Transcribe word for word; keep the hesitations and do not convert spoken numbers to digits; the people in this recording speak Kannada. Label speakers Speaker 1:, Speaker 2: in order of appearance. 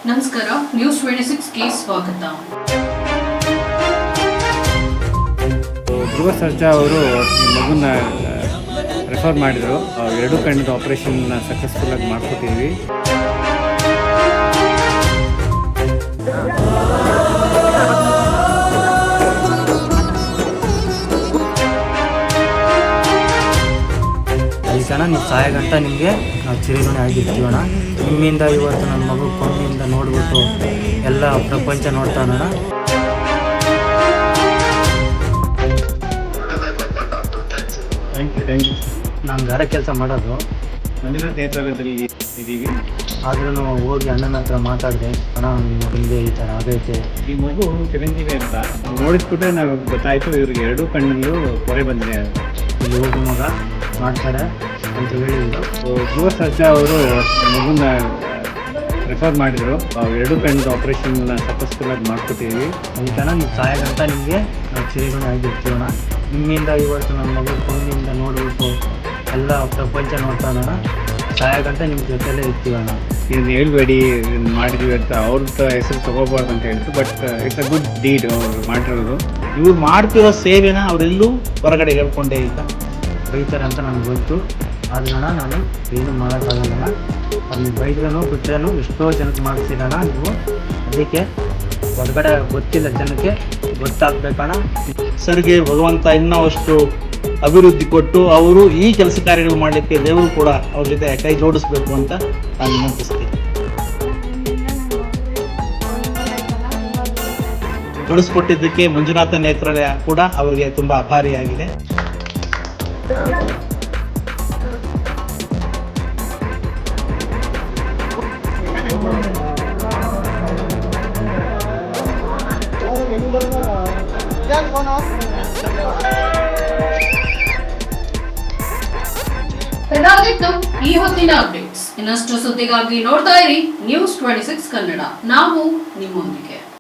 Speaker 1: ನಮಸ್ಕಾರ, ನ್ಯೂಸ್ ಟ್ವೆಂಟಿ ಸಿಕ್ಸ್ ಗೆ ಸ್ವಾಗತ.
Speaker 2: ಧ್ರುವ ಸರ್ಜಾ ಅವರು ಈ ಮಗುನ ರೆಫರ್ ಮಾಡಿದರು. ಎರಡು ಕಣ್ಣಿನ ಆಪರೇಷನ್ನ ಸಕ್ಸಸ್ಫುಲ್ ಆಗಿ ಮಾಡ್ಕೊಟ್ಟಿದ್ವಿ.
Speaker 3: ಐದು ಜನ ನೀವು ಸಹಾಯ ಗಂಟ ನಿಮಗೆ ನಾವು ಚಿರಋಣಿ ಆಗಿರ್ತೀವಣ್ಣ. ನಿಮ್ಮಿಂದ ಇವತ್ತು ನನ್ನ ಮಗು ಕಣ್ಣಿಂದ ನೋಡ್ಬಿಟ್ಟು ಎಲ್ಲ ಪ್ರಪಂಚ ನೋಡ್ತಾನಣ್ಣ. ನಾನು ಗಾರ ಕೆಲಸ ಮಾಡೋದು
Speaker 2: ಮಂಜುನಾಥ್ ನೇತೃತ್ವದಲ್ಲಿ ಇದ್ದೀವಿ.
Speaker 3: ಆದ್ರೂ ಹೋಗಿ ಅಣ್ಣನ ಹತ್ರ ಮಾತಾಡಿದೆ, ಅಣ್ಣ ನಿಮ್ಮ ಮಗನಿಗೆ ಈ ಥರ ಆಗೈತೆ.
Speaker 2: ಈ ಮಗು ಚಿರಂಜೀವಿ ಅಂತ ನೋಡಿಸ್ಬಿಟ್ರೆ ನಾವು ಗೊತ್ತಾಯಿತು ಇವ್ರಿಗೆ ಎರಡೂ ಕಣ್ಣಲ್ಲೂ ಪೊರೆ ಬಂದಿದೆ.
Speaker 3: ಇಲ್ಲಿ ಹೋಗಿ ಮಗ ಮಾಡ್ತಾರೆ ಅಂತ ಹೇಳಿದ್ರು.
Speaker 2: ಧ್ರುವ ಸರ್ಜಾ ಅವರು ಮಗುನ ರೆಫರ್ ಮಾಡಿದರು. ಎರಡು ಕಣ್ಣಿನ ಆಪರೇಷನ್ನ ಸಕ್ಸಸ್ಫುಲ್ ಆಗಿ ಮಾಡ್ಕೊಟ್ಟಿದ್ವಿ.
Speaker 3: ಈ ಥರ ನೀವು ಸಹಾಯ ಗಂಟ ನಿಮಗೆ ನಾವು ಚಿರಋಣಿ ಆಗಿರ್ತೀವಣ್ಣ. ನಿಮ್ಮಿಂದ ಇವತ್ತು ನನ್ನ ಮಗು ಕಣ್ಣಿಂದ ನೋಡ್ಬಿಟ್ಟು ಎಲ್ಲ ಪ್ರಪಂಚ ನೋಡ್ತಾನಣ್ಣ. ಸಹಾಯ ಗಂಟ ನಿಮ್ಮ ಜೊತೆಲೇ ಇರ್ತೀವಣ್ಣ.
Speaker 2: ಇದನ್ನು ಹೇಳ್ಬೇಡಿ ಮಾಡಿದ್ವಿ ಅಂತ ಅವ್ರದ್ದು ಹೆಸರು ತಗೋಬಾರ್ದು ಅಂತ ಹೇಳಿದ್ರು. But it's a good deed ಅವ್ರು ಮಾಡಿರೋದು.
Speaker 4: ಇವ್ರು ಮಾಡ್ತಿರೋ ಸೇವೆನ ಅವರೆಲ್ಲೂ ಹೊರಗಡೆ ಹೇಳ್ಕೊಂಡೇ ಇಲ್ಲ.
Speaker 3: ಬೈತಾರೆ ಅಂತ ನನಗೆ ಗೊತ್ತು, ಆದ್ರೂ ನಾನು ಏನು ಮಾಡೋಕ್ಕಾಗಲ್ಲ. ಅದನ್ನ ಬೈದ್ರೂ ಬಿಟ್ಟರೂ ಎಷ್ಟೋ ಜನಕ್ಕೆ ಮಾಡಿಸಿರೋಣ ನೀವು. ಅದಕ್ಕೆ ಹೊರಗಡೆ ಗೊತ್ತಿಲ್ಲ ಜನಕ್ಕೆ ಗೊತ್ತಾಗಬೇಕಣ್ಣ.
Speaker 4: ಸರ್ಗೆ ಭಗವಂತ ಇನ್ನೂ ಅಷ್ಟು ಅಭಿವೃದ್ಧಿ ಕೊಟ್ಟು ಅವರು ಈ ಕೆಲಸ ಕಾರ್ಯಗಳು ಮಾಡಲಿಕ್ಕೆ ದೇವರು ಕೂಡ ಅವ್ರ ಜೊತೆ ಕೈ ಜೋಡಿಸ್ಬೇಕು ಅಂತ ನಾನು ವಿನಂತಿಸ್ತೀನಿ. ಜೋಡಿಸ್ಕೊಟ್ಟಿದ್ದಕ್ಕೆ ಮಂಜುನಾಥ ನೇತ್ರಾಲಯ ಕೂಡ ಅವರಿಗೆ ತುಂಬ ಆಭಾರಿಯಾಗಿದೆ.
Speaker 1: ಇದಾಗಿತ್ತು ಈ ಹೊತ್ತಿನ ಅಪ್ಡೇಟ್ಸ್. ಇನ್ನಷ್ಟು ಸುದ್ದಿಗಾಗಿ ನೋಡ್ತಾ ಇರಿ ನ್ಯೂಸ್ ಟ್ವೆಂಟಿ ಸಿಕ್ಸ್ ಕನ್ನಡ. ನಾವು ನಿಮ್ಮೊಂದಿಗೆ.